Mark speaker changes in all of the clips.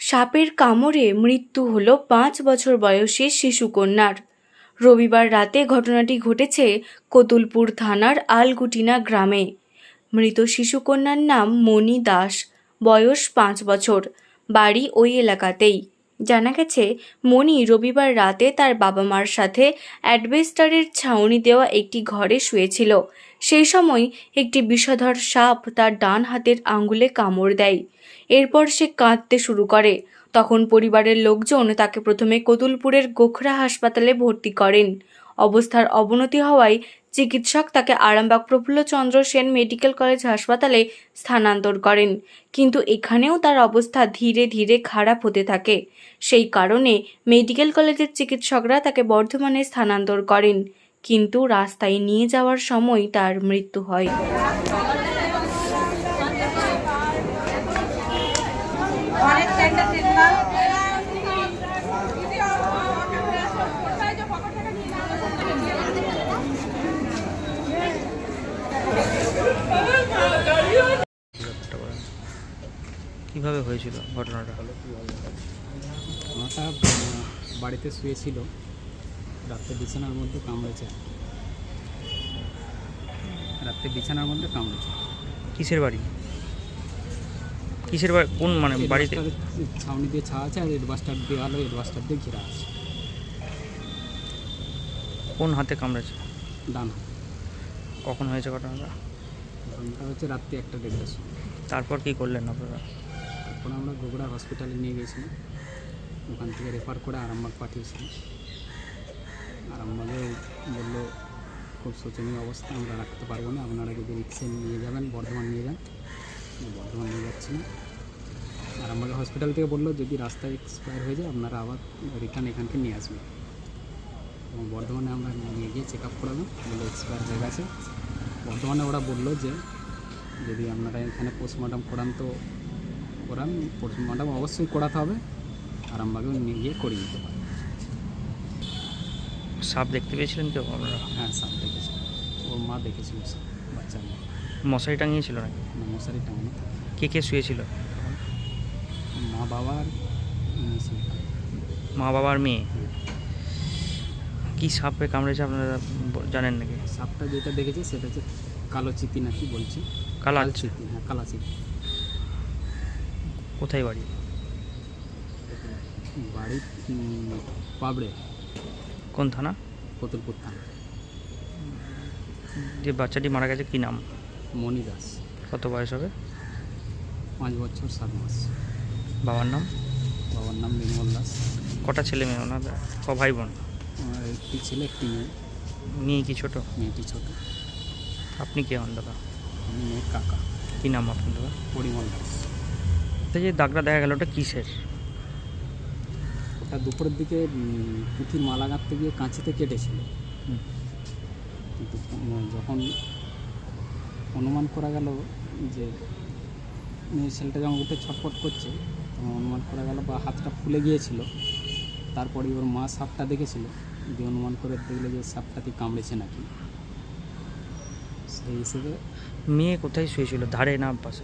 Speaker 1: সাপের কামড়ে মৃত্যু হল 5 বছর বয়সী শিশুকন্যার। রবিবার রাতে ঘটনাটি ঘটেছে কতুলপুর থানার আলগুটিনা গ্রামে। মৃত শিশুকন্যার নাম মণি দাস, বয়স 5 বছর, বাড়ি ওই এলাকাতেই। জানা গেছে, মণি রবিবার রাতে তার বাবা মার সাথে অ্যাডবেস্টারের ছাউনি দেওয়া একটি ঘরে শুয়েছিল। সেই সময় একটি বিষধর সাপ তার ডান হাতের আঙুলে কামড় দেয়। এরপর সে কাঁদতে শুরু করে। তখন পরিবারের লোকজন তাকে প্রথমে কতুলপুরের গোখরা হাসপাতালে ভর্তি করেন। অবস্থার অবনতি হওয়ায় চিকিৎসক তাকে আরামবাগ প্রফুল্লচন্দ্র সেন মেডিকেল কলেজ হাসপাতালে স্থানান্তর করেন, কিন্তু এখানেও তার অবস্থা ধীরে ধীরে খারাপ হতে থাকে। সেই কারণে মেডিকেল কলেজের চিকিৎসকরা তাকে বর্ধমানে স্থানান্তর করেন, কিন্তু রাস্তায় নিয়ে যাওয়ার সময় তার মৃত্যু হয়।
Speaker 2: কিভাবে হয়েছিল ঘটনাটা?
Speaker 3: মাথা বাড়িতে শুয়েছিল, রাত্রে বিছানার মধ্যে কামড়েছে।
Speaker 2: কিসের বাড়ি? কোন বাড়িতে?
Speaker 3: ছাউনি দিয়ে ছাওয়া আছে, আর এডবাস্টার দেওয়াল, এডবাস্টার দিয়ে ঘেরা আছে।
Speaker 2: কোন হাতে কামড়েছে?
Speaker 3: ডান হাত।
Speaker 2: কখন হয়েছে ঘটনাটা?
Speaker 3: ঘটনাটা হচ্ছে রাত্রি 1:30।
Speaker 2: তারপর কি করলেন আপনারা?
Speaker 3: তারপর আমরা গোগড়া হসপিটালে নিয়ে গেছিলাম, ওখান থেকে রেফার করে আরামবাগ পাঠিয়েছিলাম। আরামবাগে বললো খুব শোচনীয় অবস্থা, আমরা রাখতে পারবো না, আপনারা যদি রিক্সে নিয়ে যাবেন বর্ধমান নিয়ে যান। বর্ধমান নিয়ে যাচ্ছি না। আরামবাগ হসপিটাল থেকে বললো যদি রাস্তায় এক্সপায়ার হয়ে যায় আপনারা আবার রিটার্ন এখানকে নিয়ে আসবেন। এবং বর্ধমানে আমরা নিয়ে গিয়ে চেক আপ করালাম, বলে এক্সপায়ার হয়ে গেছে। বর্ধমানে ওরা বললো যে যদি আপনারা এখানে পোস্টমর্টম করান তো করান, পোস্টমর্টম অবশ্যই করাতে হবে, আরামবাগেও নিয়ে গিয়ে করিয়ে নিতে পারেন।
Speaker 2: সাপ দেখতে পেয়েছিলেন কেউ আপনারা?
Speaker 3: হ্যাঁ, সাপ দেখেছি, ওর মা দেখেছিল, বাচ্চা মেয়ে।
Speaker 2: মশারি টাঙিয়েছিল নাকি?
Speaker 3: মশারি টাঙানো।
Speaker 2: কে কে শুয়েছিল?
Speaker 3: মা বাবার মেয়ে।
Speaker 2: মা বাবার মেয়ে। কি সাপে কামড়েছে আপনারা জানেন নাকি?
Speaker 3: সাপটা যেটা দেখেছি সেটা হচ্ছে কালো চিতি নাকি বলছি।
Speaker 2: কালা
Speaker 3: চিতি, হ্যাঁ কালা চিতি।
Speaker 2: কোথায় বাড়ি?
Speaker 3: বাড়ি পাবড়ে।
Speaker 2: কোন থানা?
Speaker 3: কতুলপুর থানা।
Speaker 2: যে বাচ্চাটি মারা গেছে কি নাম?
Speaker 3: মণি দাস।
Speaker 2: কত বয়স হবে?
Speaker 3: 5 বছর 7 মাস।
Speaker 2: বাবার নাম?
Speaker 3: বাবার নাম নির্মল দাস।
Speaker 2: কটা ছেলে মেয়ে ওনাদের? ক ভাই বোন?
Speaker 3: একটি ছেলে, একটি মেয়ে।
Speaker 2: মেয়ে কি ছোট?
Speaker 3: মেয়েটি ছোট।
Speaker 2: আপনি কে হন দাদা?
Speaker 3: আমি মেয়ের কাকা।
Speaker 2: কী নাম আপনার দাদা?
Speaker 3: পরিমল দাস।
Speaker 2: যে দাগটা দেখা গেল ওটা কিসের?
Speaker 3: ওটা দুপুরের দিকে পুঁথির মালা গাঁথতে গিয়ে কাঁচিতে কেটেছিল, কিন্তু যখন অনুমান করা গেল যে মেয়ে ছেলেটা যখন উঠে ছটফট করছে তখন অনুমান করা গেল বা হাতটা ফুলে গিয়েছিল। তারপরে ওর মা সাপটা দেখেছিল, দিয়ে অনুমান করে দেখলে যে সাপটাতে কামড়েছে নাকি। সেই হিসেবে
Speaker 2: মেয়ে কোথায় শুয়েছিল, ধারে না পাশে?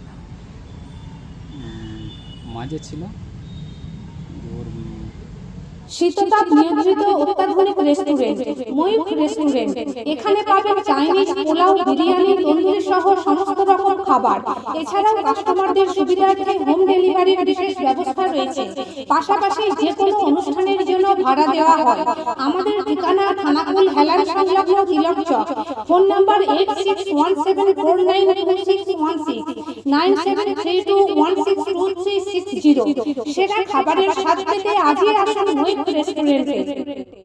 Speaker 3: মাঝে ছিল। ওর
Speaker 4: শীততাপ নিয়ন্ত্রিত অত্যাধুনিক রেস্টুরেন্ট ময়ূখ রেস্টুরেন্ট। এখানে পাবেন চাইনিজ, পোলাও, বিরিয়ানি, তন্দুরি সহ সমস্ত রকম খাবার। এছাড়াও কাস্টমারদের সুবিধার্থে হোম ডেলিভারির বিশেষ ব্যবস্থা রয়েছে। পাশাপাশি যে কোনো অনুষ্ঠানের জন্য ভাড়া দেওয়া হয়। আমাদের ঠিকানা থানাকুল হেলান সংলগ্ন তিলক চক। Phone number 8617492616 9732162360। সেরা খাবারের স্বাদ পেতে আজই আসুন ময়ূখ রেস্টুরেন্টে।